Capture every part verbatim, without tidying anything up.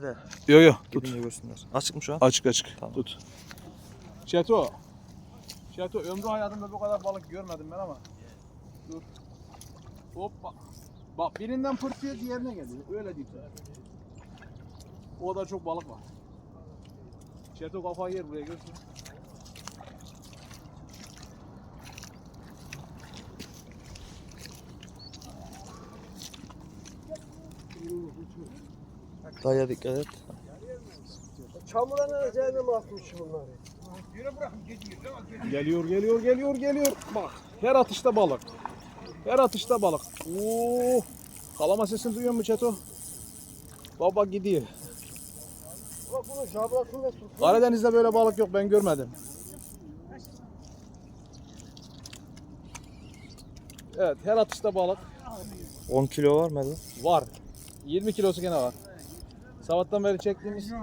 Yo yo tut. Gidince görsünler. Açık mı şu an? Açık açık. Tamam. Tut. Çeto. Çeto ömrü hayatımda bu kadar balık görmedim ben ama. Dur. Hoppa. Bak birinden pırtıyor diğerine geliyor. Öyle değil. O da çok balık var. Çeto kafayı yer buraya görsün. Daya dikkat et. Çamura ne cehennem atmış bunları. Geliyor geliyor geliyor geliyor. Bak her atışta balık. Her atışta balık. Oo! Kalama sesini duyuyor musun Çeto? Baba gidiyor. Bak bunun jabrasını da tut. Karadeniz'de böyle balık yok, ben görmedim. Evet, her atışta balık on kilo var mı? var. yirmi kilosu gene var. Sabahtan beri çektiğimiz.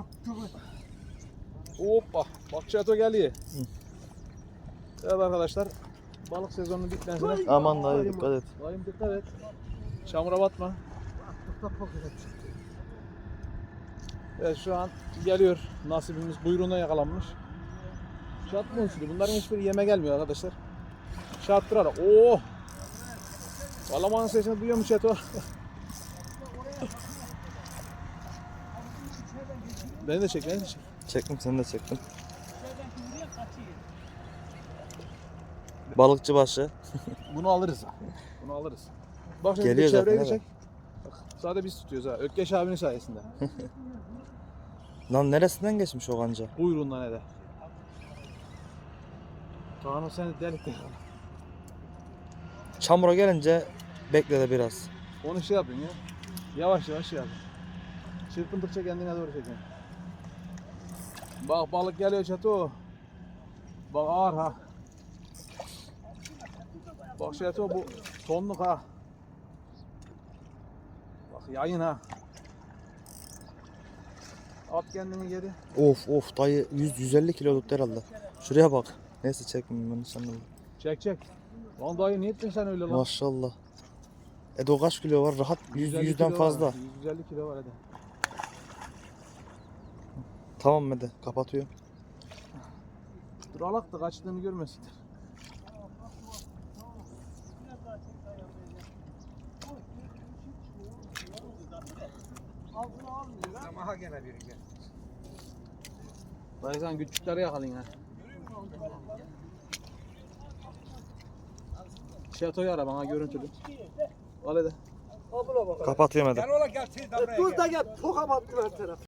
Hoppa, bak Çeto geliyor. Evet arkadaşlar, balık sezonunun bitmesine. Aman dayı dikkat et. Dayım dikkat et. Çamura batma. Evet şu an geliyor, nasibimiz buyruğuna yakalanmış. Şatma uçtu. Bunların hiçbiri yeme gelmiyor arkadaşlar. Şattırarak. Oo! Kalamanın sesini duyuyor mu Çeto? Beni de çek, beni de çek. Çektim seni de çektim. Balıkçı başı. Bunu alırız ha. Bunu alırız. Bak şimdi Geliyor bir çevreyi de zaten, çek. Bak, sadece biz tutuyoruz ha. Ökkeş abinin sayesinde. Lan neresinden geçmiş o kanca? Buyurun ne de. Kaan'ı seni delikte. Çamura gelince bekle de biraz. Onu şey yapın ya. Yavaş yavaş şey yapın. Çırpındıkça kendine doğru çekin. Bak balık geliyor Çeto. Bak ağır ha. Bak Çeto bu tonluk ha. Bak yayın ha. At kendini geri. Of of dayı yüz yüz elli kiloluk herhalde. Şuraya bak. Neyse çekmeyeyim ben sanırım. Çek çek. Lan dayı niye ettin sen öyle lan? Maşallah. E o kaç kilo var? Rahat yüz, yüz elli yüzden kilo fazla. Var. yüz elli kilo var hadi. Tamam Mede kapatıyorum. Dur alak da kaçtığını görmesinler. Ama gene biri gel. Dayı sen küçükleri yakalayın ha. Şatoyu ara bana görüntülü. Al hadi. Al buna bak. Kapatıyorum Mede. Gel ola gel siz de buraya gel. Dur da gel. Toka battın her taraf.